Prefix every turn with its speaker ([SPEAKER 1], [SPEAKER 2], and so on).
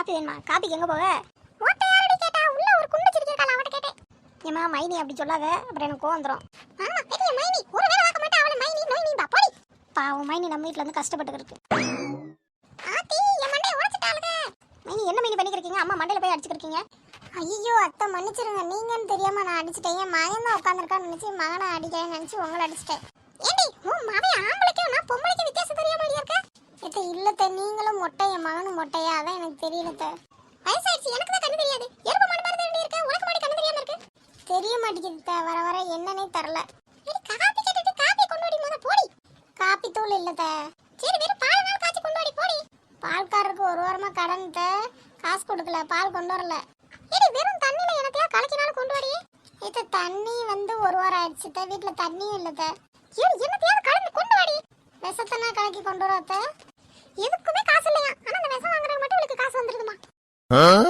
[SPEAKER 1] Copy வேணுமா? காப்பிக்கு எங்க போக? ஓட்ட யாரடி கேட்டா? உள்ள ஒரு குண்டு சிரிக்கிறக்கால அவட்ட கேட்டேன். ஏமா மைனி அப்படி சொல்லாத, அப்புறம் எனக்கு கோவம் வந்துரும். ஆமா பெரிய மைனி, ஒரு வேளை வாக்க மாட்டா அவள மைனி நோய் பா போடி. பாவம் மைனி நம்ம வீட்ல இருந்து கஷ்டப்பட்டு இருக்கு. ஆத்தி என் மண்டைய உடைச்சிட்டாளுங்க. மைனி என்ன மைனி பண்ணிக்கிறீங்க? அம்மா மண்டையில போய் அடிச்சிருக்கீங்க. ஐயோ அத்தை மன்னிச்சிருங்க, நீங்கன்னு தெரியாம நான் அடிச்சிட்டேன். என் மகன் தான் உட்காந்துருக்கான்னு நினைச்சு மகனை அடிக்கிறேன்னு நினைச்சு உங்களை அடிச்சிட்டேன். ஏண்டி உன் மகன் ஆம்பளைக்கும் நான் பொம்பளைக்கும் வித்தியாசம் தெரியாம இருக்க? எத்த இல்லத்த, நீங்களும் மொட்டை என் மகனும் மொட்டையா? அதான் எனக்கு தெரியலத்த. வயசாயிடுச்சு, எனக்கு தான் கண்ணு தெரியாது. எறும்பு மாடு மாதிரி தான் இருக்க, உனக்கு மாடி கண்ணு தெரியாம இருக்கு. தெரிய மாட்டேங்குது, வர வர என்னன்னே தரல. காப்பி கேட்டுட்டு காப்பி கொண்டு வாடி முத போடி. காப்பி தூள் இல்லத்த. சரி வெறும் பால் நாள் காய்ச்சி கொண்டு வாடி போடி. பால்காரருக்கு ஒரு வாரமா கடன் காசு கொடுக்கல, பால் கொண்டு வரல. ஏடி வெறும் தண்ணில எனக்கா கலக்கினாலும் கொண்டு வாடி. இது தண்ணி வந்து ஒரு வாரம் ஆயிடுச்சு, வீட்டுல தண்ணியும் இல்லத. ஏடி என்னத்தையாவது கலந்து கொண்டு வாடி. விஷத்தனா கலக்கி கொண்டு வரத்த. எதுக்குமே காசு இல்லையா, ஆனா அந்த விஷம் வாங்குறது மட்டும் உங்களுக்கு காசு வந்துருதுமா.